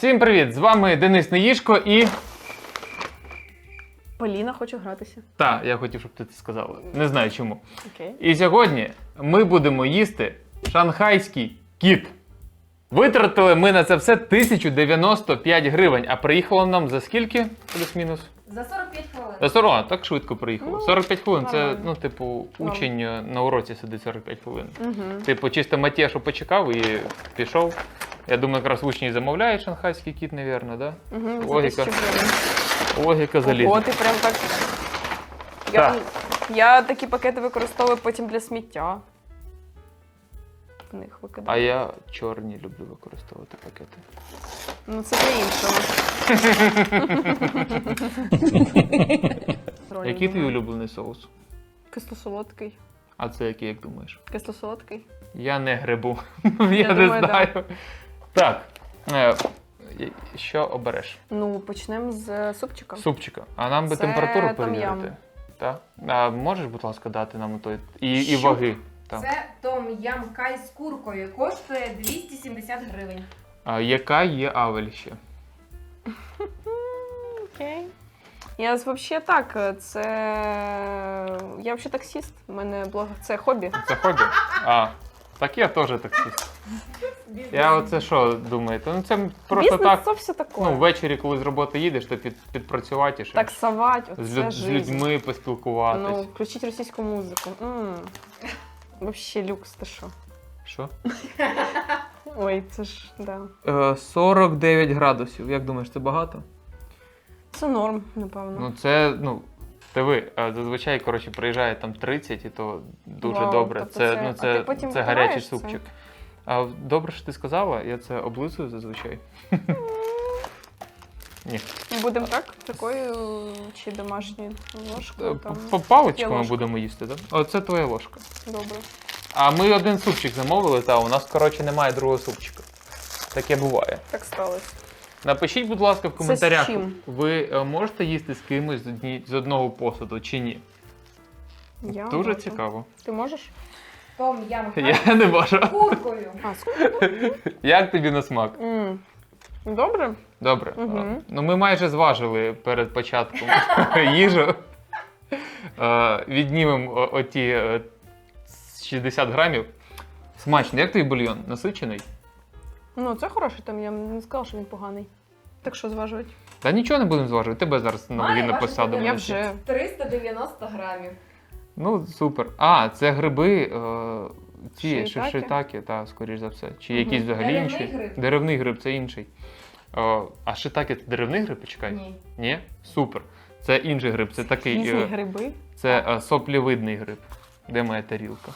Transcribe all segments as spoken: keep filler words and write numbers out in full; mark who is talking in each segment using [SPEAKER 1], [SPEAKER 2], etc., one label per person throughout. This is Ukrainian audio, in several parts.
[SPEAKER 1] Всім привіт! З вами Денис Неїшко і...
[SPEAKER 2] Поліна, хочу гратися.
[SPEAKER 1] Так, я хотів, щоб ти це сказала. Не знаю чому.
[SPEAKER 2] Окей.
[SPEAKER 1] І сьогодні ми будемо їсти шанхайський кіт. Витратили ми на це все тисячу дев'яносто п'ять гривень, а приїхало нам за скільки? Плюс-мінус?
[SPEAKER 3] За сорок п'ять хвилин.
[SPEAKER 1] За сорок, а, так швидко приїхало.
[SPEAKER 2] Ну,
[SPEAKER 1] сорок п'ять хвилин, це,
[SPEAKER 2] нормально.
[SPEAKER 1] ну, типу,
[SPEAKER 2] Норм.
[SPEAKER 1] учень на уроці сидить сорок п'ять хвилин.
[SPEAKER 2] Угу.
[SPEAKER 1] Типу, чисто Матєшу почекав і пішов. Я думаю, якраз учні замовляють шанхайський кіт, мабуть, да?
[SPEAKER 2] Угу.
[SPEAKER 1] Логіка. Логіка
[SPEAKER 2] Ого,
[SPEAKER 1] залізна.
[SPEAKER 2] ти прям так... Я,
[SPEAKER 1] Так.
[SPEAKER 2] я такі пакети використовую потім для сміття. В них
[SPEAKER 1] А
[SPEAKER 2] викидаю.
[SPEAKER 1] я чорні люблю використовувати пакети.
[SPEAKER 2] Ну це для іншого.
[SPEAKER 1] Який твій улюблений соус?
[SPEAKER 2] Кисло-солодкий.
[SPEAKER 1] А це який, як думаєш?
[SPEAKER 2] Кисло-солодкий.
[SPEAKER 1] Я не грибу. Я,
[SPEAKER 2] Я
[SPEAKER 1] не
[SPEAKER 2] думаю,
[SPEAKER 1] знаю. Так. Е, що обереш?
[SPEAKER 2] Ну, почнемо з супчика.
[SPEAKER 1] Супчика. А нам би
[SPEAKER 2] Це
[SPEAKER 1] температуру
[SPEAKER 2] том-ям.
[SPEAKER 1] перевірити. Так? А можеш, будь ласка, дати нам той і, і
[SPEAKER 2] Що?
[SPEAKER 1] ваги? Так.
[SPEAKER 3] Це том-ям кай з куркою. Коштує двісті сімдесят гривень.
[SPEAKER 1] А яка є авель ще?
[SPEAKER 2] Окей. Я взагалі так, це... Я взагалі таксіст. У мене блог... Це хобі.
[SPEAKER 1] Це хобі? А, так я теж таксист. Я оце що думаєте? Ну це просто
[SPEAKER 2] Бізнес
[SPEAKER 1] так.
[SPEAKER 2] це все таке.
[SPEAKER 1] Ну, ввечері, коли з роботи їдеш, то під, підпрацювати ще.
[SPEAKER 2] Таксовать, оце
[SPEAKER 1] з, люд, з
[SPEAKER 2] жизнь.
[SPEAKER 1] людьми
[SPEAKER 2] Ну,
[SPEAKER 1] поспілкуватись.
[SPEAKER 2] включить російську музику. М. Вообще люкс, ти що?
[SPEAKER 1] Що?
[SPEAKER 2] Ой, це ж, да.
[SPEAKER 1] Е, сорок дев'ять градусів. Як думаєш, це багато?
[SPEAKER 2] Це норм, напевно.
[SPEAKER 1] Ну це, ну, диви, е, зазвичай, коротше, приїжджає там тридцять, і то дуже
[SPEAKER 2] Вау,
[SPEAKER 1] добре.
[SPEAKER 2] тобто
[SPEAKER 1] це,
[SPEAKER 2] це-
[SPEAKER 1] ну,
[SPEAKER 2] а
[SPEAKER 1] це,
[SPEAKER 2] ти потім
[SPEAKER 1] це гарячий
[SPEAKER 2] втираєш це?
[SPEAKER 1] супчик. А добре, що ти сказала, я це облизую зазвичай. Ні.
[SPEAKER 2] Будемо так? Такою чи домашньою ложкою? Там.
[SPEAKER 1] По паличками
[SPEAKER 2] Є ложка.
[SPEAKER 1] будемо їсти, так? Да? Оце твоя ложка.
[SPEAKER 2] Добре.
[SPEAKER 1] А ми один супчик замовили, та у нас, коротше, немає другого супчика. Таке буває.
[SPEAKER 2] Так сталося.
[SPEAKER 1] Напишіть, будь ласка, в
[SPEAKER 2] з
[SPEAKER 1] коментарях,
[SPEAKER 2] чим?
[SPEAKER 1] ви е, можете їсти з кимось з, одні, з одного посуду чи ні?
[SPEAKER 2] Я
[SPEAKER 1] Дуже
[SPEAKER 2] можу.
[SPEAKER 1] цікаво.
[SPEAKER 2] Ти можеш?
[SPEAKER 3] Том-ям кай
[SPEAKER 1] Я не можу.
[SPEAKER 3] з куркою.
[SPEAKER 2] А, сколько?
[SPEAKER 1] Як тобі на смак?
[SPEAKER 2] М. Добре?
[SPEAKER 1] Добре.
[SPEAKER 2] Мгм.
[SPEAKER 1] А, Ну ми майже зважили перед початком їжу. Е, Віднімемо о- оті е, шістдесят грамів. Смачно. Як твій бульйон? Насичений?
[SPEAKER 2] Ну, це хороший там, я не сказала, що він поганий. Так що зважувати?
[SPEAKER 1] Та нічого не будемо зважувати. Тебе зараз на
[SPEAKER 3] Має
[SPEAKER 1] ваги не
[SPEAKER 3] важити
[SPEAKER 1] посадимо.
[SPEAKER 2] Я
[SPEAKER 3] Думаю,
[SPEAKER 2] вже.
[SPEAKER 3] триста дев'яносто грамів.
[SPEAKER 1] Ну, супер. А, це гриби, е, ці
[SPEAKER 2] Шиїтаки?
[SPEAKER 1] шитаки, так, скоріш за все. Чи
[SPEAKER 2] Мгм.
[SPEAKER 1] якісь взагалі
[SPEAKER 3] Деревний
[SPEAKER 1] інші?
[SPEAKER 3] гриб?
[SPEAKER 1] Деревний гриб, це інший. Е, а шитаки це деревний гриб, почекай?
[SPEAKER 3] Ні.
[SPEAKER 1] Ні? Супер. Це інший гриб, це такий.
[SPEAKER 2] Різні
[SPEAKER 1] е,
[SPEAKER 2] гриби.
[SPEAKER 1] Це е, соплівидний гриб. Де моя тарілка?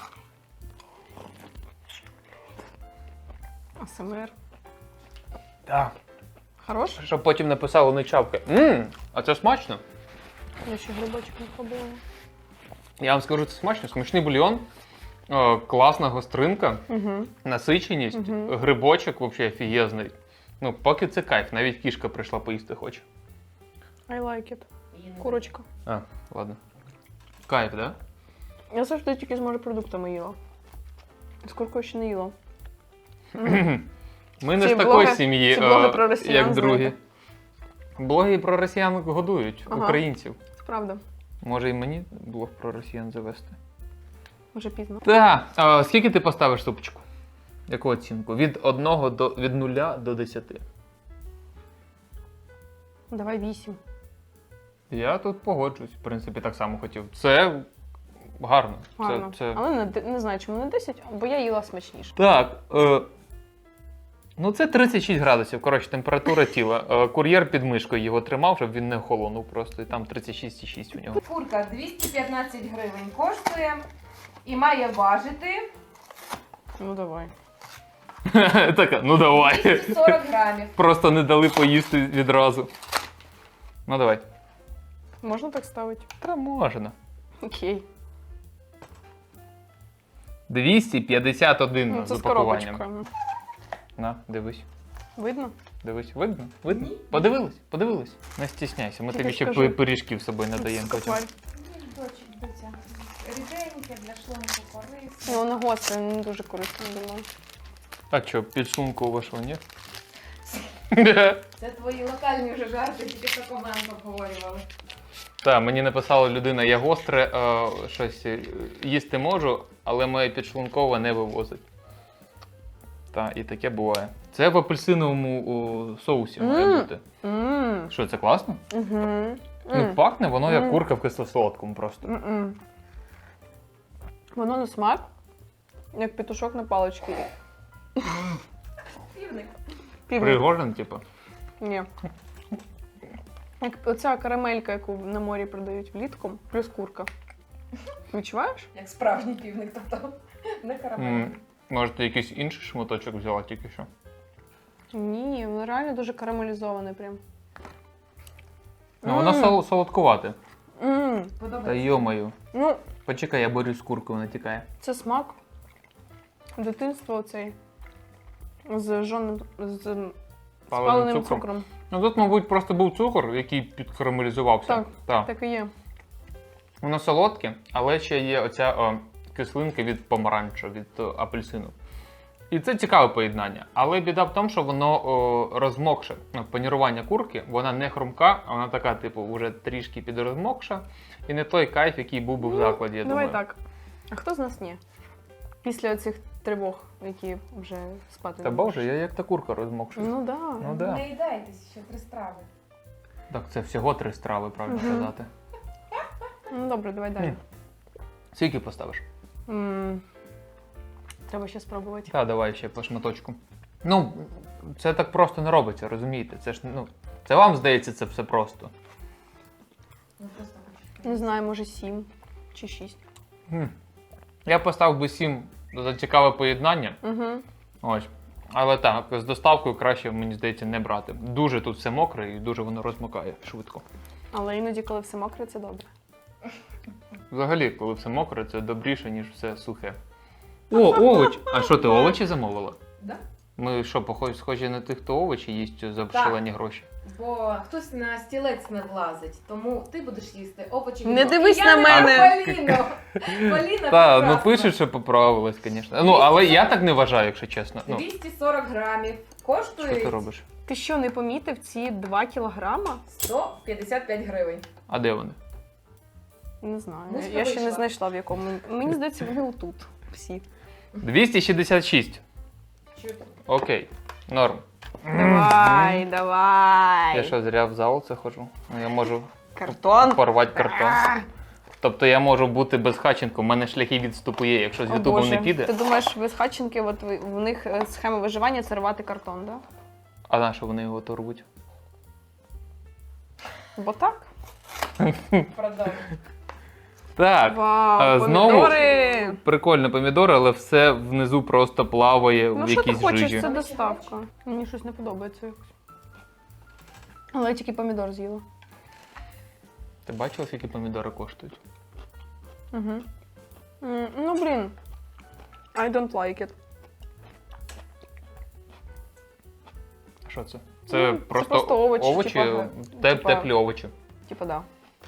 [SPEAKER 2] АСМР.
[SPEAKER 1] Так.
[SPEAKER 2] Хорош?
[SPEAKER 1] Щоб потім написали не чавки. Ммм, а це смачно.
[SPEAKER 2] Я ще грибочок не пробувала.
[SPEAKER 1] Я вам скажу, це смачно. Смачний бульйон, е, класна гостринка,
[SPEAKER 2] Угу.
[SPEAKER 1] насиченість,
[SPEAKER 2] Мгм.
[SPEAKER 1] грибочок взагалі офігезний. Ну, поки це кайф, навіть кішка прийшла поїсти хоче.
[SPEAKER 2] I like it. Курочка.
[SPEAKER 1] А, ладно. Кайф, да?
[SPEAKER 2] Я завжди тільки з морепродуктами їла. З куркою ще не їла.
[SPEAKER 1] Ми не
[SPEAKER 2] Ці
[SPEAKER 1] з такої
[SPEAKER 2] блоги-
[SPEAKER 1] сім'ї,
[SPEAKER 2] ці блоги
[SPEAKER 1] е,
[SPEAKER 2] про росіян,
[SPEAKER 1] як другі.
[SPEAKER 2] знаєте.
[SPEAKER 1] Блоги про росіян годують
[SPEAKER 2] Ага.
[SPEAKER 1] українців.
[SPEAKER 2] Це правда.
[SPEAKER 1] Може і мені блог про росіян завести.
[SPEAKER 2] Вже пізно.
[SPEAKER 1] Так, а скільки ти поставиш супчику? Яку оцінку? Від одного до від нуля до десяти.
[SPEAKER 2] Давай вісім.
[SPEAKER 1] Я тут погоджуюсь, в принципі, так само хотів. Це гарно.
[SPEAKER 2] Гарно.
[SPEAKER 1] Це, це...
[SPEAKER 2] Але не, де- не знаю, чому не десять, бо я їла смачніше.
[SPEAKER 1] Так. Е... Ну, це тридцять шість градусів, коротше, температура тіла. Е, кур'єр під мишкою його тримав, щоб він не охолонув просто. І там тридцять шість і шість у нього.
[SPEAKER 3] Курка двісті п'ятнадцять гривень коштує і має важити
[SPEAKER 2] Ну давай.
[SPEAKER 1] Така, ну давай.
[SPEAKER 3] двісті сорок грамів.
[SPEAKER 1] Просто не дали поїсти відразу. Ну давай.
[SPEAKER 2] Можна так ставити?
[SPEAKER 1] Та можна.
[SPEAKER 2] Окей.
[SPEAKER 1] двісті п'ятдесят один
[SPEAKER 2] Ну,
[SPEAKER 1] з
[SPEAKER 2] це з
[SPEAKER 1] упакуванням.
[SPEAKER 2] коробочкою.
[SPEAKER 1] На, дивись.
[SPEAKER 2] Видно?
[SPEAKER 1] Дивись, видно? Видно?
[SPEAKER 3] Ні.
[SPEAKER 1] Подивились? Подивились? Не стісняйся, ми
[SPEAKER 2] Я
[SPEAKER 1] тобі
[SPEAKER 2] так
[SPEAKER 1] ще
[SPEAKER 2] скажу.
[SPEAKER 1] пи- пиріжків з собою надаємо потім.
[SPEAKER 2] Скопаль.
[SPEAKER 3] Дочик, дитя. Ріденьке для шлунку корисне.
[SPEAKER 2] Ну, воно гостре, не дуже корисно було.
[SPEAKER 1] А що, підшлунку вашого ні?
[SPEAKER 3] Це твої локальні вже жарти, тільки що комент обговорювали.
[SPEAKER 1] Так, мені написала людина, я гостре е, щось е, їсти можу, але моє підшлункове не вивозить. Так, і таке буває. Це в апельсиновому о, соусі має
[SPEAKER 2] Мм.
[SPEAKER 1] бути.
[SPEAKER 2] Мм.
[SPEAKER 1] Що, це класно?
[SPEAKER 2] Мгм.
[SPEAKER 1] Ну,
[SPEAKER 2] М.
[SPEAKER 1] пахне воно як
[SPEAKER 2] Мм.
[SPEAKER 1] курка в кисло-солодкому просто.
[SPEAKER 2] М-м. Воно на смак, як петушок на паличці.
[SPEAKER 3] Півник.
[SPEAKER 2] Півник.
[SPEAKER 1] Пригожин, типу.
[SPEAKER 2] Ні. Як оця карамелька, яку на морі продають влітку, плюс курка. Відчуваєш?
[SPEAKER 3] Як справжній півник, тобто не карамель.
[SPEAKER 1] М, Може, ти якийсь інший шматочок взяла тільки що?
[SPEAKER 2] Ні, воно реально дуже карамелізоване прям.
[SPEAKER 1] Ну, воно
[SPEAKER 2] М.
[SPEAKER 1] сол- солодкувате.
[SPEAKER 2] М.
[SPEAKER 1] Та
[SPEAKER 3] Подобається.
[SPEAKER 1] йомаю.
[SPEAKER 2] Ну,
[SPEAKER 1] Почекай, я борюсь з куркою, вона тікає.
[SPEAKER 2] це смак. Дитинство оцей. З жоним, з спаленим
[SPEAKER 1] цукром.
[SPEAKER 2] цукром.
[SPEAKER 1] Ну тут, мабуть, просто був цукор, який підкарамелізувався.
[SPEAKER 2] Так.
[SPEAKER 1] так.
[SPEAKER 2] Так і є.
[SPEAKER 1] Воно солодке, але ще є оця о, кислинка від помаранчу, від о, апельсину. І це цікаве поєднання. Але біда в тому, що воно о, розмокше. Ну, Панірування курки, вона не хрумка, а вона така, типу, вже трішки підрозмокша. І не той кайф, який був би в закладі, я
[SPEAKER 2] Давай
[SPEAKER 1] думаю.
[SPEAKER 2] так. А хто з нас ні? Після цих тривог, які вже спати
[SPEAKER 1] Та
[SPEAKER 2] не
[SPEAKER 1] боже,
[SPEAKER 2] можеш.
[SPEAKER 1] я як та курка розмокша.
[SPEAKER 2] Ну да.
[SPEAKER 1] Ну да.
[SPEAKER 3] Не їдайтесь, ще три страви.
[SPEAKER 1] Так, це всього три страви, правильно
[SPEAKER 2] Мгм.
[SPEAKER 1] казати.
[SPEAKER 2] Ну добре, давай далі.
[SPEAKER 1] М. Скільки поставиш?
[SPEAKER 2] М. Треба ще спробувати.
[SPEAKER 1] Та, давай ще по шматочку. Ну, це так просто не робиться, розумієте? Це ж, ну, це вам здається, це все просто.
[SPEAKER 3] Ну, просто хочу.
[SPEAKER 2] Не знаю, може сім чи шість.
[SPEAKER 1] М. Я поставив би сім за цікаве поєднання.
[SPEAKER 2] Угу.
[SPEAKER 1] Ось. Але так, з доставкою краще, мені здається, не брати. Дуже тут все мокре і дуже воно розмокає швидко.
[SPEAKER 2] Але іноді, коли все мокре, це добре.
[SPEAKER 1] Взагалі, коли все мокре, це добріше, ніж все сухе. О, овоч! А що ти овочі замовила?
[SPEAKER 3] Да?
[SPEAKER 1] Ми що, похожі схожі на тих, хто овочі їсть за
[SPEAKER 3] Так.
[SPEAKER 1] шалені гроші?
[SPEAKER 3] Бо хтось на стілець не влазить, тому ти будеш їсти овочі.
[SPEAKER 2] Не
[SPEAKER 3] від-
[SPEAKER 2] дивись
[SPEAKER 3] І
[SPEAKER 2] на
[SPEAKER 3] я не
[SPEAKER 2] мене.
[SPEAKER 3] Поліно. Поліна
[SPEAKER 1] Так, ну
[SPEAKER 3] прекрасна.
[SPEAKER 1] пишуть, що поправилась, звісно. Ну, але я так не вважаю, якщо чесно. Ну,
[SPEAKER 3] двісті сорок грамів. Коштує
[SPEAKER 1] що ти робиш?
[SPEAKER 2] Ти що, не помітив ці два кілограма?
[SPEAKER 3] сто п'ятдесят п'ять гривень.
[SPEAKER 1] А де вони?
[SPEAKER 2] Не знаю.
[SPEAKER 3] Муська
[SPEAKER 2] Я ще не
[SPEAKER 3] вийшла.
[SPEAKER 2] знайшла в якому. Мені здається, вони отут. Всі.
[SPEAKER 1] двісті шістдесят шість.
[SPEAKER 3] Чуть.
[SPEAKER 1] Окей, норм.
[SPEAKER 2] Давай, давай.
[SPEAKER 1] Я що, зря в зал це ходжу? Ну, я можу
[SPEAKER 2] Картон.
[SPEAKER 1] порвати картон. Тобто я можу бути безхатченком, у мене шляхи відступу є, якщо з
[SPEAKER 2] О,
[SPEAKER 1] Ютубом
[SPEAKER 2] Боже.
[SPEAKER 1] не піде.
[SPEAKER 2] Ти думаєш, безхатченки, от ви- в них е, схема виживання це рвати картон, да?
[SPEAKER 1] А на що вони його то рвуть?
[SPEAKER 2] Бо так.
[SPEAKER 3] Продовжуй.
[SPEAKER 1] Так,
[SPEAKER 2] Вау,
[SPEAKER 1] а, знову-
[SPEAKER 2] помідори.
[SPEAKER 1] прикольно помідори, але все внизу просто плаває
[SPEAKER 2] Ну
[SPEAKER 1] в
[SPEAKER 2] що ти
[SPEAKER 1] якійсь
[SPEAKER 2] хочеш,
[SPEAKER 1] жижі.
[SPEAKER 2] це доставка. Мені щось не подобається якось. Але я тільки помідор з'їла.
[SPEAKER 1] Ти бачила, скільки помідори коштують?
[SPEAKER 2] Угу. Ну, блін. I don't like it.
[SPEAKER 1] Що це? Це,
[SPEAKER 2] Ну, це
[SPEAKER 1] просто,
[SPEAKER 2] просто овочі, типа,
[SPEAKER 1] теп-
[SPEAKER 2] типа-
[SPEAKER 1] теплі овочі.
[SPEAKER 2] Типа, да.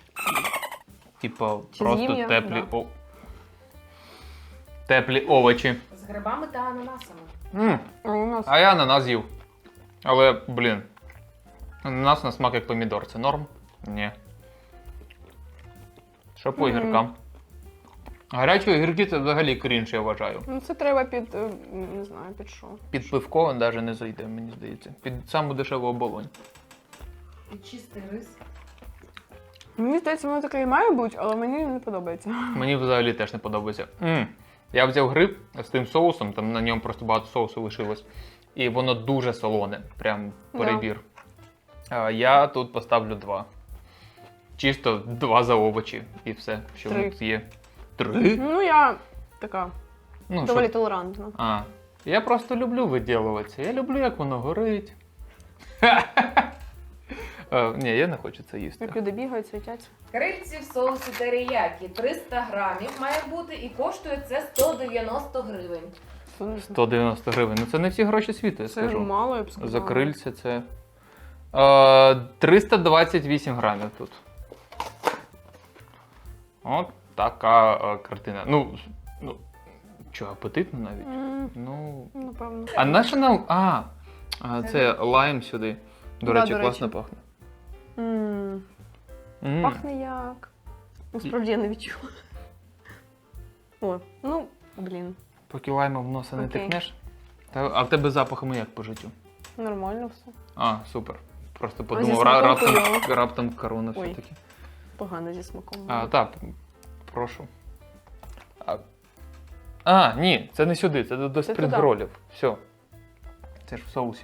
[SPEAKER 1] Типа
[SPEAKER 2] Чи
[SPEAKER 1] просто
[SPEAKER 2] з'їм я?
[SPEAKER 1] теплі
[SPEAKER 2] Да.
[SPEAKER 1] о... Теплі овочі.
[SPEAKER 3] З грибами та ананасами.
[SPEAKER 1] М,
[SPEAKER 2] А у нас
[SPEAKER 1] А я ананас з'їв. Але, блін. Ананас на смак як помідор. Це норм? Ні. Що по
[SPEAKER 2] Мгм.
[SPEAKER 1] огіркам? Гарячі огірки це взагалі крінж, я вважаю.
[SPEAKER 2] ну це треба під. е, Не знаю, під що.
[SPEAKER 1] Під пивко навіть не зайде, мені здається. Під саму дешеву оболонь.
[SPEAKER 3] І чистий рис.
[SPEAKER 2] Мені здається, воно таке і має бути, але мені не подобається.
[SPEAKER 1] Мені взагалі теж не подобається. М. Я взяв гриб з тим соусом, там на ньому просто багато соусу лишилось. І воно дуже солоне, прям
[SPEAKER 2] Да.
[SPEAKER 1] перебір. А я тут поставлю два. Чисто два за овочі і все, що
[SPEAKER 2] Три.
[SPEAKER 1] тут є. Три?
[SPEAKER 2] Ну, я така
[SPEAKER 1] Ну,
[SPEAKER 2] доволі
[SPEAKER 1] що?
[SPEAKER 2] толерантна.
[SPEAKER 1] А. Я просто люблю виділуватися. Я люблю, як воно горить. Е, Ні, я не хочу це їсти.
[SPEAKER 2] Як люди бігають, світяться.
[SPEAKER 3] Крильці в соусі теріякі. триста грамів має бути і коштує це сто дев'яносто гривень.
[SPEAKER 2] Це не знаю.
[SPEAKER 1] сто дев'яносто гривень. Ну це не всі гроші світу, я
[SPEAKER 2] Це
[SPEAKER 1] скажу.
[SPEAKER 2] мало, я б сказала.
[SPEAKER 1] За крильця це. Е, триста двадцять вісім грамів тут. От така е, картина. Ну, ну, що, апетитно навіть?
[SPEAKER 2] М,
[SPEAKER 1] Ну.
[SPEAKER 2] Напевно.
[SPEAKER 1] А наша нам. А, А,
[SPEAKER 3] Це
[SPEAKER 1] це лайм сюди. До
[SPEAKER 2] Да,
[SPEAKER 1] речі,
[SPEAKER 2] до
[SPEAKER 1] класно
[SPEAKER 2] речі.
[SPEAKER 1] пахне.
[SPEAKER 2] М,
[SPEAKER 1] М.
[SPEAKER 2] Пахне як. Насправді я не відчула. О, ну, блін,
[SPEAKER 1] Поки лаймом в носа не
[SPEAKER 2] Окей.
[SPEAKER 1] тикнеш. Та, а в тебе запахами як по життю?
[SPEAKER 2] нормально все.
[SPEAKER 1] А, супер. Просто
[SPEAKER 2] зі
[SPEAKER 1] подумав,
[SPEAKER 2] смаком
[SPEAKER 1] ра- раптом,
[SPEAKER 2] хуйово.
[SPEAKER 1] раптом корона
[SPEAKER 2] Ой.
[SPEAKER 1] все-таки.
[SPEAKER 2] Погано зі смаком.
[SPEAKER 1] А, так, прошу. А, а, ні, це не сюди, це до, до
[SPEAKER 2] Це
[SPEAKER 1] спрінгролів. Все. Це ж в соусі.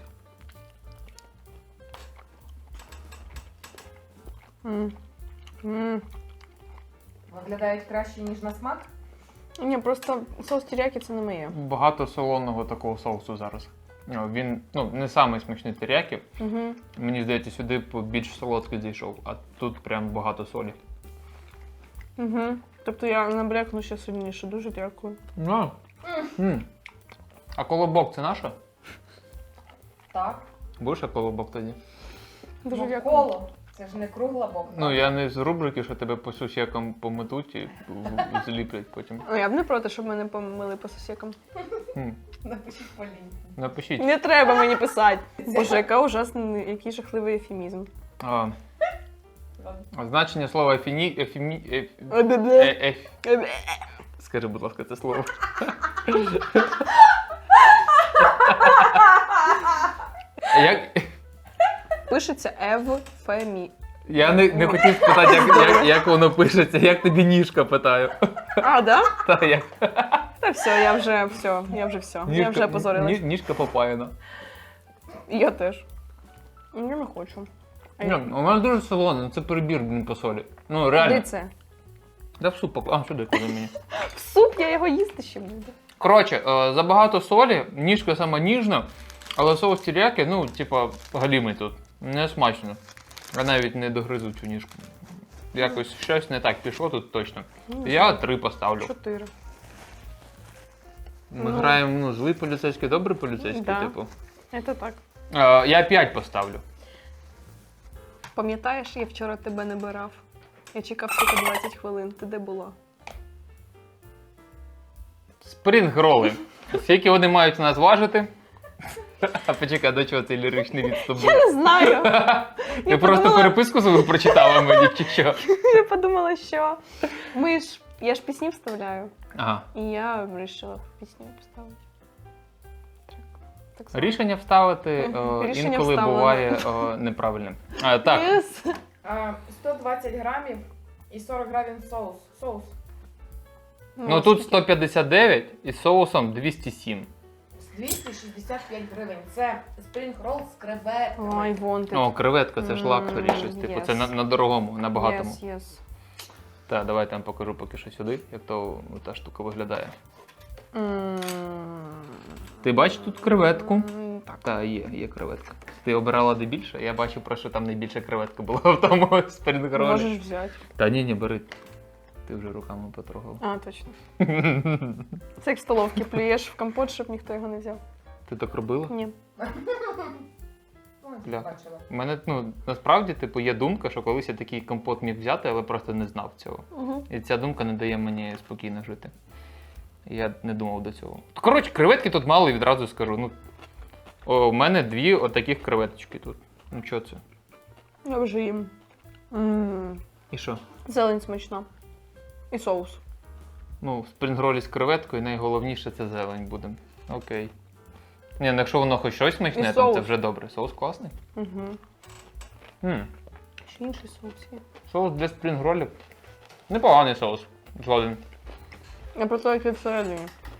[SPEAKER 2] М. М.
[SPEAKER 3] Виглядають краще, ніж на смак.
[SPEAKER 2] Ні, просто соус теріякі це не моє.
[SPEAKER 1] Багато солоного такого соусу зараз. Ну, Він ну, не самий смачний теріякі.
[SPEAKER 2] Угу.
[SPEAKER 1] Мені здається, сюди б більш солодкий зайшов, а тут прям багато солі.
[SPEAKER 2] Угу. Тобто я набрякну ще сильніше. Дуже дякую.
[SPEAKER 1] Ну. М. А колобок це наше?
[SPEAKER 3] Так.
[SPEAKER 1] Будеш а колобок тоді?
[SPEAKER 2] Дуже
[SPEAKER 3] Ну,
[SPEAKER 2] дякую.
[SPEAKER 3] коло. Це ж не кругла бок.
[SPEAKER 1] Ну, я не з рубрики, що тебе по сусікам пометуть і в- зліплять потім.
[SPEAKER 2] Ну, я б не проти, щоб мене помили по сусікам.
[SPEAKER 1] М.
[SPEAKER 3] Напишіть по лінії.
[SPEAKER 1] Напишіть.
[SPEAKER 2] Не треба мені писати. Боже, яка ужасний, який жахливий ефемізм.
[SPEAKER 1] А,
[SPEAKER 3] Ладно.
[SPEAKER 1] значення слова ефіні... ефімі... еф... е,
[SPEAKER 2] Е-бе-бе.
[SPEAKER 1] еф... Скажи, будь ласка, це слово. Як...
[SPEAKER 2] Пишеться евфемі.
[SPEAKER 1] Я не, не хотів спитати, як, як, як воно пишеться, як тобі ніжка, питаю.
[SPEAKER 2] А, да?
[SPEAKER 1] Та, як?
[SPEAKER 2] Та все, я вже все, я вже все. Я вже позорилась.
[SPEAKER 1] ні- Ніжка попаяна.
[SPEAKER 2] Я теж. Я не хочу. А
[SPEAKER 1] Ні,
[SPEAKER 2] я-
[SPEAKER 1] у мене дуже солоне, ну це перебір, блін, по солі. Ну, реально.
[SPEAKER 2] Де це?
[SPEAKER 1] Да в суп, пок- а, сюди, куди мені.
[SPEAKER 2] В суп я його їсти ще буду.
[SPEAKER 1] Коротше, е, забагато солі, ніжка сама ніжна, але соус теріякі, ну, типа, галімий тут. Не смачно. Я навіть не догризу цю ніжку. Якось щось не так пішло тут точно.
[SPEAKER 2] Ну,
[SPEAKER 1] Я три поставлю.
[SPEAKER 2] Чотири.
[SPEAKER 1] Ми
[SPEAKER 2] Ну.
[SPEAKER 1] граємо ну, злий поліцейський, добрий поліцейський,
[SPEAKER 2] Да.
[SPEAKER 1] типу.
[SPEAKER 2] Це так.
[SPEAKER 1] Е, я п'ять поставлю.
[SPEAKER 2] Пам'ятаєш, я вчора тебе не бирав. Я чекав тільки двадцять хвилин. Ти де була?
[SPEAKER 1] Спрінг-роли. Скільки вони мають нас важити? А почекай, до чого цей ліричний відступ був?
[SPEAKER 2] Я не знаю.
[SPEAKER 1] Ти просто
[SPEAKER 2] подумала-
[SPEAKER 1] переписку свою прочитала мені, чи що?
[SPEAKER 2] Я подумала, що ми ж. Я ж пісні вставляю.
[SPEAKER 1] Ага.
[SPEAKER 2] І я вирішила пісню поставити. Так. Так само.
[SPEAKER 1] Рішення вставити
[SPEAKER 2] Мгм.
[SPEAKER 1] о,
[SPEAKER 2] Рішення
[SPEAKER 1] інколи
[SPEAKER 2] вставлено.
[SPEAKER 1] буває о, неправильним. А, так,
[SPEAKER 2] Yes.
[SPEAKER 3] А, сто двадцять грамів і сорок грамів соус. Соус.
[SPEAKER 1] ну тут сто п'ятдесят дев'ять із соусом двісті сім.
[SPEAKER 3] двісті шістдесят п'ять гривень. Це спрінг рол з креветками.
[SPEAKER 2] Ой, вон ти.
[SPEAKER 1] О, креветка, це ж
[SPEAKER 2] М,
[SPEAKER 1] лакторі щось. Типу, це
[SPEAKER 2] yes.
[SPEAKER 1] на, на дорогому, на багатому.
[SPEAKER 2] Yes, yes.
[SPEAKER 1] Так, давайте я вам покажу поки що сюди, як то ну, та штука виглядає.
[SPEAKER 2] М,
[SPEAKER 1] Ти бачиш тут креветку?
[SPEAKER 2] м, Так.
[SPEAKER 1] Та, є, є креветка. Ти обирала де більше? Я бачив, про що там найбільша креветка була в тому спрінгролі.
[SPEAKER 2] Можеш взяти.
[SPEAKER 1] Та ні, ні, бери. Ти вже руками потрогав.
[SPEAKER 2] А, точно. Це як в столовці плюєш в компот, щоб ніхто його не взяв.
[SPEAKER 1] Ти так робила?
[SPEAKER 2] Ні.
[SPEAKER 3] Ну,
[SPEAKER 1] Бля.
[SPEAKER 3] бачила.
[SPEAKER 1] У мене, ну, насправді, типу, є думка, що колись я такий компот міг взяти, але просто не знав цього.
[SPEAKER 2] Угу.
[SPEAKER 1] І ця думка не дає мені спокійно жити. І я не думав до цього. Коротше, креветки тут мало і відразу скажу. Ну, о, у мене дві отаких креветочки тут. Ну, що це?
[SPEAKER 2] Я вже їм. М,
[SPEAKER 1] І що?
[SPEAKER 2] Зелень смачна. І соус.
[SPEAKER 1] Ну, в спрінгролі з креветкою найголовніше це зелень буде. Окей. Ні, ну якщо воно хоч щось смачне,
[SPEAKER 2] І
[SPEAKER 1] там це
[SPEAKER 2] соус.
[SPEAKER 1] вже добре. Соус класний.
[SPEAKER 2] Угу.
[SPEAKER 1] м
[SPEAKER 2] Ще інший соус є.
[SPEAKER 1] Соус для спрінгролів. Непоганий соус. Згоден.
[SPEAKER 2] Я про те, як він всередині.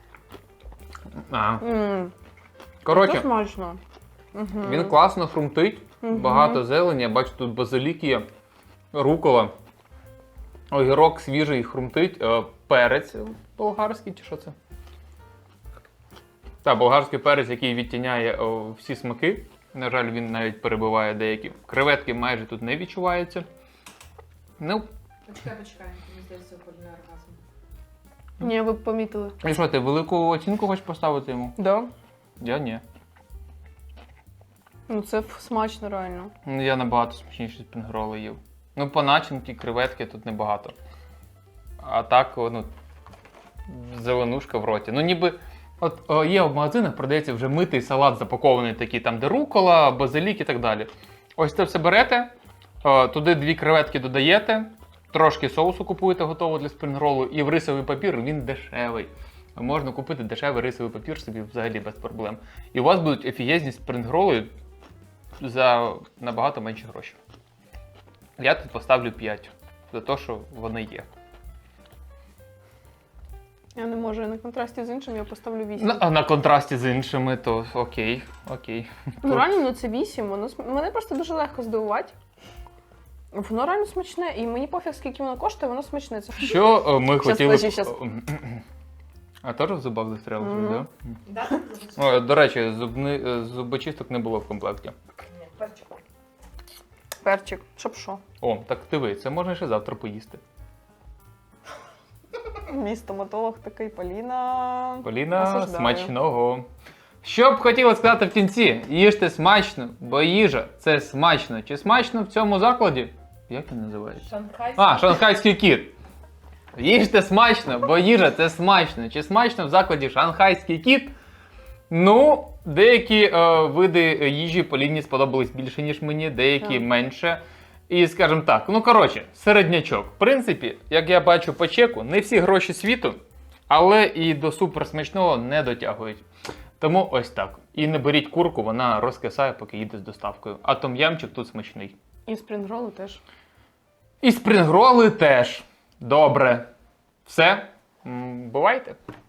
[SPEAKER 1] А.
[SPEAKER 2] М, Це
[SPEAKER 1] Коротше,
[SPEAKER 2] смачно. Угу.
[SPEAKER 1] він класно хрумтить,
[SPEAKER 2] Мгм.
[SPEAKER 1] багато зелені. Я бачу, тут базилік є, рукола, огірок свіжий хрумтить, е, перець болгарський чи що це? Так, болгарський перець, який відтіняє о, всі смаки. На жаль, він навіть перебиває деякі. Креветки майже тут не відчуваються. Ну,
[SPEAKER 3] Почекай, почекай. Мені здається, кульний оргазм.
[SPEAKER 2] Ні, ви б помітили.
[SPEAKER 1] і що, ти велику оцінку хочеш поставити йому?
[SPEAKER 2] Да?
[SPEAKER 1] Я ні.
[SPEAKER 2] Ну це ф- смачно реально.
[SPEAKER 1] Ну, я набагато смачніші спінгроли їв. Ну, по начинки, креветки тут небагато. А так, о, ну, зеленушка в роті. Ну, ніби От о, є в магазинах, продається вже митий салат запакований, такий там, де рукола, базилік і так далі. Ось це все берете, о, туди дві креветки додаєте, трошки соусу купуєте готово для спрінгролу, і в рисовий папір він дешевий. Можна купити дешевий рисовий папір собі взагалі без проблем. І у вас будуть офігезні спрінгроли за набагато менші гроші. Я тут поставлю п'ять, за те, що вони є.
[SPEAKER 2] Я не можу, на контрасті з іншим я поставлю вісім.
[SPEAKER 1] На, а на контрасті з іншими, то окей, окей.
[SPEAKER 2] Ну реально, ну це вісім, воно см- мене просто дуже легко здивувати. Воно реально смачне, і мені пофіг, скільки воно коштує, воно смачне. Це
[SPEAKER 1] Що о, ми
[SPEAKER 2] Щас,
[SPEAKER 1] хотіли...
[SPEAKER 2] подожди, щас.
[SPEAKER 1] А теж в зубах застряло
[SPEAKER 2] Мгм.
[SPEAKER 1] щось,
[SPEAKER 3] Да?
[SPEAKER 1] да? О, до речі, зубни... е, зубочисток не було в комплекті.
[SPEAKER 3] Ні, перчик.
[SPEAKER 2] перчик, щоб що.
[SPEAKER 1] О, так диви, це можна ще завтра поїсти.
[SPEAKER 2] Мій стоматолог такий, Поліна.
[SPEAKER 1] Поліна,
[SPEAKER 2] Осуждаю.
[SPEAKER 1] смачного. Що б хотіла сказати в кінці? Їжте смачно, бо їжа – це смачно. Чи смачно в цьому закладі? Як він називається?
[SPEAKER 3] Шанхайський.
[SPEAKER 1] А, шанхайський кіт. Їжте смачно, бо їжа це смачно. Чи смачно в закладі шанхайський кіт? Ну, деякі е, види їжі Поліні сподобались більше, ніж мені, деякі
[SPEAKER 2] Так.
[SPEAKER 1] менше. І, скажімо так, ну коротше, середнячок. В принципі, як я бачу по чеку, не всі гроші світу, але і до суперсмачного не дотягують. Тому ось так. І не беріть курку, вона розкисає, поки їде з доставкою. А том'ямчик тут смачний.
[SPEAKER 2] І спрінгролу теж.
[SPEAKER 1] І спрінгроли теж. Добре. Все. М, Бувайте.